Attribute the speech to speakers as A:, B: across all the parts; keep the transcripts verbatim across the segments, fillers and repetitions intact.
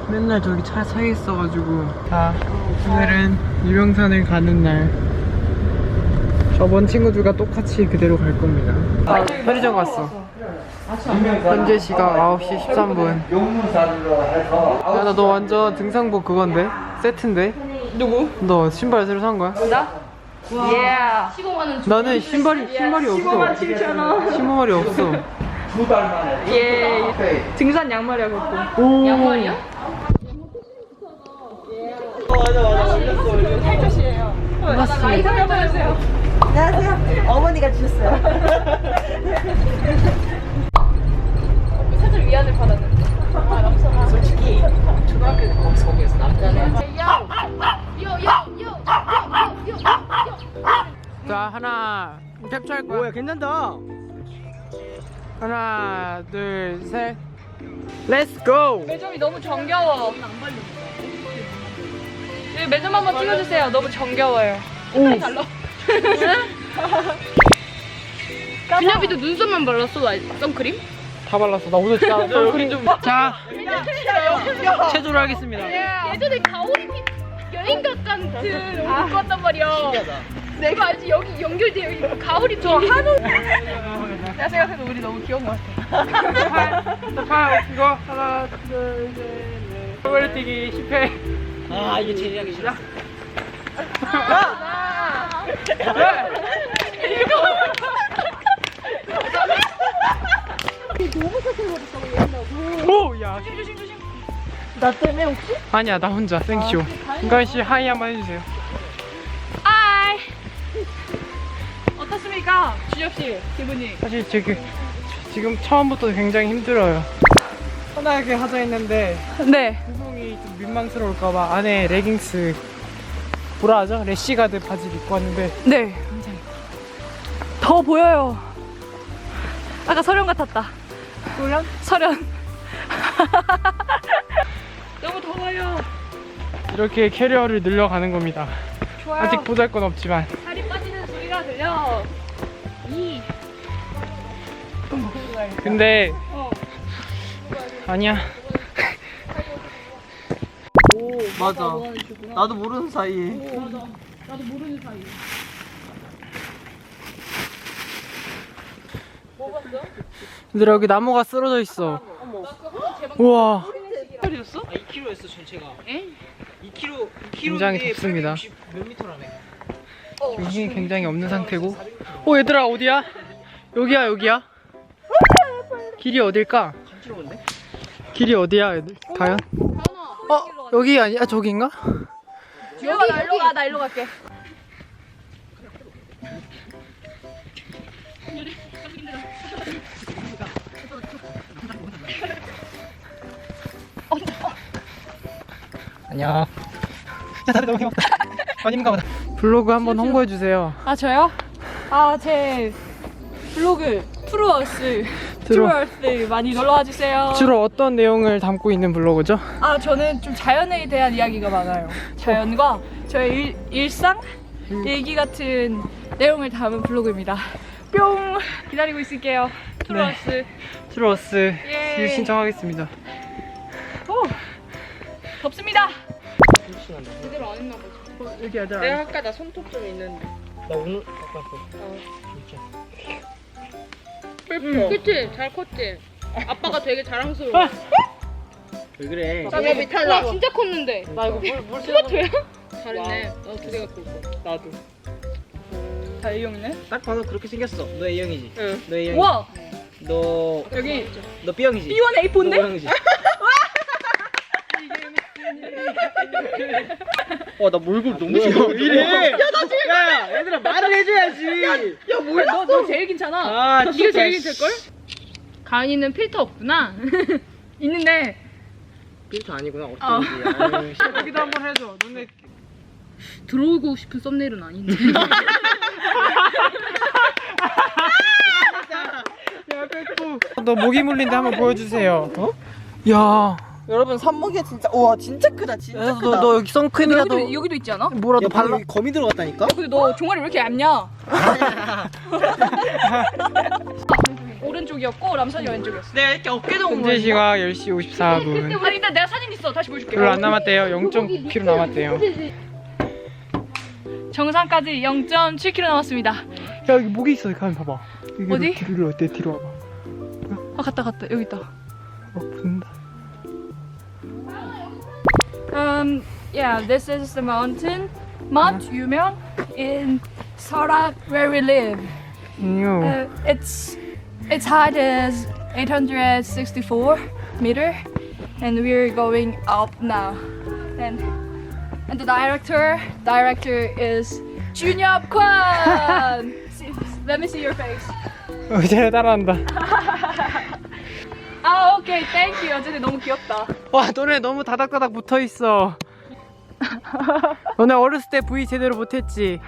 A: 맨날 저기 차 사이에 있어가지고. 자, 오늘은 유명산을 가는 날. 저번 친구들과 똑같이 그대로 갈 겁니다. 아, 편의점 갔어. 현재 시각 아홉 시 십삼 분. 야, 나 너 완전 등산복 그건데? 세트인데?
B: 누구?
A: 너 신발 새로 산 거야?
B: 나? 예. 시공하는
A: 나는 신발이 신발이 없어.
B: 십오만 칠천 원.
A: 신발이 없어.
B: 예. 등산 양말이야 그것도.
A: 오.
B: 양말이야?
C: 맞아 맞아 올렸어 올렸어.
B: 탈것이에요.
A: 맞지?
B: 많이 살려주세요.
C: 안녕하세요. 어머니가 주셨어요.
B: 살짝 위안을 받았는데. 아 남성아.
C: 솔직히 초등학교 때 거기서 거기에서 남자는
A: 자, 하나 캡처할 거야.
C: 뭐야 괜찮다.
A: 하나, 둘, 셋. 렛츠 고!
B: 매점이 너무 정겨워. 여기 매점 한번 찍어주세요. 너무 정겨워요.
A: 오.
B: 달라. 준엽이도 눈썹만 발랐어? 선크림?
A: 다 발랐어. 나 오늘 진짜 선크림 좀. 자, 체조를 하겠습니다.
B: 예전에 가오리 피 여행각 같은 옷 입고 왔단 말이야. 내가 알지? 여기 연결돼 여기 가오리 저 한우. 내가 생각해도 우리 너무 귀여운 것 같아.
A: 자, 팔, 이거 하나, 둘, 셋, 넷. 벌레 뛰기 십 회.
C: 아 이게 제일 하기 싫어.
A: 오, 야.
B: 조심 조심.
C: 나 때문에 혹시?
A: 아니야, 나 혼자 생쇼. 은가희 씨 하이 한번 해주세요.
B: 하이. 어떻습니까, 준엽 씨 기분이?
A: 사실 지금 지금 처음부터 굉장히 힘들어요. 편하게 하자 했는데
B: 네.
A: 구성이 좀 민망스러울까봐 안에 레깅스 뭐라 하죠? 래시가드 바지를 입고 왔는데
B: 네. 더 보여요. 아까 설현 같았다.
A: 소련?
B: 설현. 너무 더워요.
A: 이렇게 캐리어를 늘려가는 겁니다.
B: 좋아요.
A: 아직 보잘건 없지만.
B: 살이 빠지는 소리가 들려. 이.
A: 근데
B: 어.
A: 아니야.
C: 오 맞아. 나도 모르는 사이에.
B: 오, 맞아. 나도 모르는 사이. 뭐 봤어?
A: 얘들아, 여기 나무가 쓰러져 있어.
C: 어머.
A: 우와,
B: 소리였어?
C: 아 이 킬로미터였어 전체가.
B: 에?
C: 이 킬로미터. 이 킬로미터인데
A: 굉장히 덥습니다.
C: 팔백육십 몇 미터라네.
A: 지금 힘이 굉장히 없는 상태고. 오, 얘들아 어디야? 여기야, 여기야? 길이 어딜까?
C: 간지러운데?
A: 길이 어디야, 얘들? 과연? 어, 여기 아니야? 저기인가?
B: 여기 나 일로 가. 나 일로 갈게.
C: 안녕. 야 다들 너무 힘없다. 아닌가 보다.
A: 블로그 한번 홍보해 주세요.
B: 아 저요? 아 제 블로그 트루어스
A: 트루-
B: 트루어스 많이 놀러와 주세요.
A: 주로 어떤 내용을 담고 있는 블로그죠?
B: 아 저는 좀 자연에 대한 이야기가 많아요. 자연과 저의 일, 일상 일기 같은 내용을 담은 블로그입니다. 뿅 기다리고 있을게요. 트루어스.
A: 트로스
B: 예.
A: 신청하겠습니다.
B: 오 덥습니다. 제대로 안 했나 보지.
A: 어, 여기 얘들아.
B: 내가 아까 나 손톱 좀 있는데.
C: 나 오늘 아까 그 진짜.
B: 응. 그치? 잘 컸지? 아빠가 되게 자랑스러워.
C: 왜 그래?
B: 나왜 탈라? 와 진짜 컸는데.
C: 나 이거 물물
B: 똑같아요? 잘했네. 나도 두 개 갖고 있어.
C: 나도.
B: 다 A형이네?
C: 딱 봐도 그렇게 생겼어. 너 A형이지?
B: 응.
C: 너 A형.
B: 우와!
C: 너
B: 여기
C: 너 B형이지?
B: 비 원 에이 포인데?
C: 너 O형이지? 와, 나 몰골 너무 싫어. 왜 이래? 야, 나 지금. 야, 얘들아 말을 해줘야지. 야, 뭐야?
B: 너, 너 제일 괜찮아.
C: 아,
B: 네가
C: 진짜.
B: 제일 괜찮을걸? 가은이는 필터 없구나. 있는데
C: 필터 아니구나.
B: 어.
C: 어쩐지. 아유, 씨.
A: 여기도 한번 해줘. 너네
B: 들어오고 싶은 썸네일은 아닌데.
A: 야, 빼고. 너 모기 물린데 한번 보여주세요. 어? 야.
D: 여러분 산모기가 진짜 우와 진짜 크다 진짜
A: 너,
D: 크다.
A: 너, 너 여기 선크림이라도
B: 여기도, 여기도 있지 않아?
A: 뭐라도
C: 야,
A: 발라.
C: 발라. 거미 들어갔다니까?
B: 근데 너 종아리 왜 이렇게 얇냐? 오른쪽이었고 람선이 왼쪽이었어.
D: 내가 이렇게 어깨 동무.
A: 현재 시각 열 시 오십사 분.
B: 아니 일단 내가 사진 있어. 다시 보여줄게.
A: 별로 안 남았대요. 영 점 구 킬로미터 남았대요.
B: 정상까지 영 점 칠 킬로미터 남았습니다.
A: 야 여기 목이 있어. 가만 봐봐. 여기로
B: 어디?
A: 뒤로 어때? 뒤로 와봐.
B: 아 갔다 갔다 여기 있다.
A: 어 붙는다.
B: Um, yeah, this is the mountain, Mount Yumeon in Seorak, where we live.
A: 이요.
B: Uh, its its height is eight hundred sixty-four meter, and we're going up now. And and the director director is Junyeop Kwan. See- Let me see your face.
A: 어, 쟤 따라한다.
B: 아, 오케이, thank you. 어쨌든 너무 귀엽다.
A: 와 너네 너무 다닥다닥 붙어 있어. 너네 어렸을 때 V 제대로 못했지.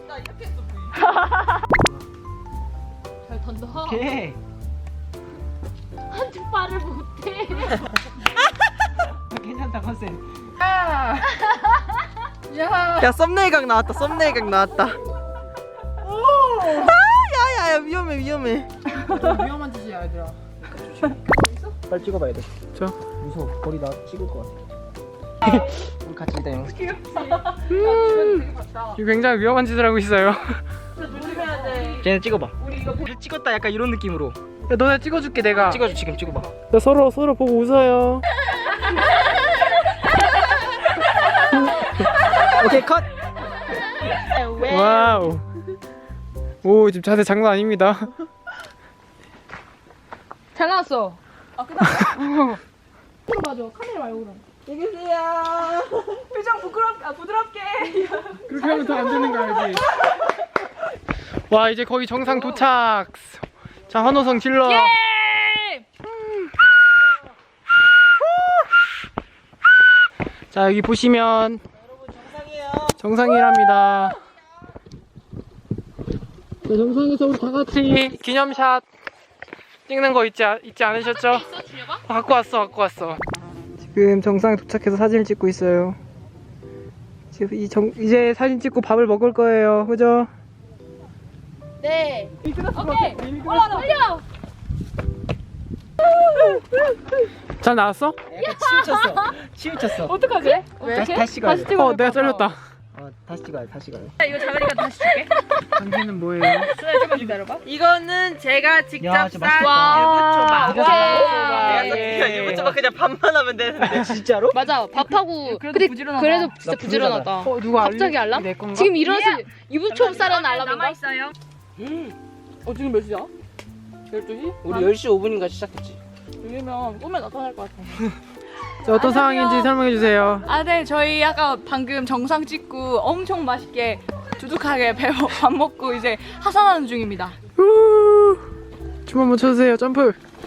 B: 잘 던져.
A: 오케이.
B: 한쪽 발을 못해.
A: 괜찮다 컨셉.
B: 야.
D: 야 썸네일 각 나왔다. 썸네일 각 나왔다. 아 야야야 위험해 위험해.
A: 위험한 짓이야 얘들아. 빨리 찍어봐야 돼. 저? 무서워. 거리 나 찍을 것 같아. 우리 같이 일단 영상. 지금 굉장히 위험한 짓을 하고 있어요.
D: 조심해야 돼.
C: 쟤네 찍어봐. 우리 찍었다 약간 이런 느낌으로.
A: 야 너네 찍어줄게 내가.
C: 찍어줘 지금 찍어봐.
A: 야, 서로 서로 보고 웃어요.
C: 오케이 컷.
A: 와우. 오 지금 자세 장난 아닙니다.
B: 잘 나왔어. 아, 끝났어? 그럼 맞아. 카메라 말고 그럼.
D: 여기 계세요.
B: 표정 부끄럽, 아, 부드럽게.
A: 그렇게 하면 더 안 되는 거 알지? 와 이제 거의 정상 도착. 자 환호성 질러.
B: 예!
A: 자 여기 보시면
D: 정상이에요.
A: 정상이랍니다. 자, 정상에서 우리 다 같이 기념샷 찍는 거 있지, 아- 있지 않으셨죠? 아, 갖고 왔어, 갖고 왔어. 지금 정상에 도착해서 사진을 찍고 있어요. 지금 이 정, 이제 사진 찍고 밥을 먹을 거예요, 그죠?
B: 네. 오케이. 올라와, 올려.
A: 잘 나왔어?
C: 약간 치우쳤어. 치우쳤어.
B: 어떡하지?
C: 다시 다시 찍어야 돼.
A: 어, 내가 잘렸다.
C: 어 다시 찍어야 돼. 다시 찍어야 돼.
B: 이거 자가리가 다시 줄게.
A: 당신은 뭐예요?
B: 수나 좀만 기다려봐.
D: 이거는 제가 직접
C: 야, 진짜
D: 싼
B: 와.
D: 유부초밥.
B: 와.
D: 내가 싼 유부초밥 그냥 반만 하면 되는데.
C: 진짜로?
E: 맞아 밥하고
B: 그래도
E: 근데
B: 부지런하다.
E: 그래도 진짜
C: 나
E: 부지런하다.
A: 어, 누가
E: 갑자기
A: 알림?
E: 알람?
A: 내 건가?
E: 지금 일어나서 유부초밥 싸라는
B: 남아
E: 알람인가?
B: 있어요.
E: 어 지금 몇 시야? 열두 시?
C: 우리 열 시 오 분인가 시작했지.
E: 이러면 꿈에 나타날 것 같아.
A: 자, 어떤 상황인지 설명해 주세요.
B: 아, 네. 저희 아까 방금 정상 찍고 엄청 맛있게 두둑하게 배, 밥 먹고 이제 하산하는 중입니다.
A: 우! 춤 한번 춰주세요. 점프.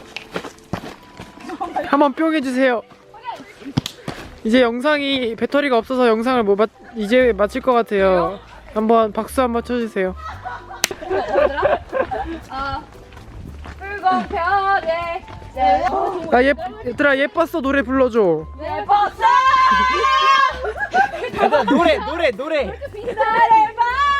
A: 한번 뿅 해주세요. 이제 영상이 배터리가 없어서 영상을 못 맞, 이제 마칠 것 같아요. 한번 박수 한번 쳐주세요.
B: 아, 붉은 별에
A: 아 예, 얘들아 예뻤어 노래 불러줘.
B: 내 벗어
C: 노래 노래 노래.
B: 빛나를 봐.